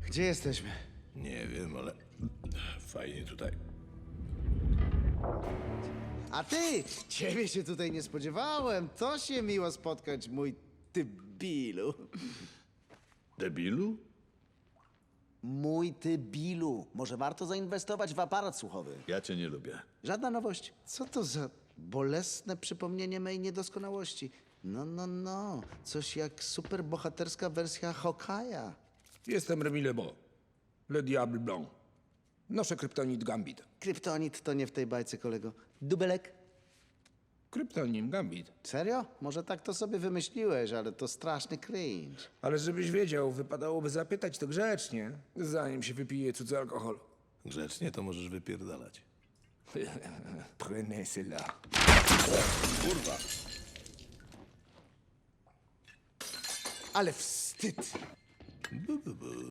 Gdzie jesteśmy? Nie wiem, ale fajnie tutaj. A ty! Ciebie się tutaj nie spodziewałem. To się miło spotkać, mój tybilu. Debilu? Mój tybilu. Może warto zainwestować w aparat słuchowy. Ja cię nie lubię. Żadna nowość. Co to za bolesne przypomnienie mej niedoskonałości? No. Coś jak superbohaterska wersja Hokaja. Jestem Remy Lebo, Le Diable Blanc. Noszę kryptonit Gambit. Kryptonit to nie w tej bajce, kolego. Dubelek? Kryptonim Gambit. Serio? Może tak to sobie wymyśliłeś, ale to straszny cringe. Ale żebyś wiedział, wypadałoby zapytać to grzecznie, zanim się wypije cudzy alkohol. Grzecznie to możesz wypierdalać. Prenez cela. Kurwa! Ale wstyd!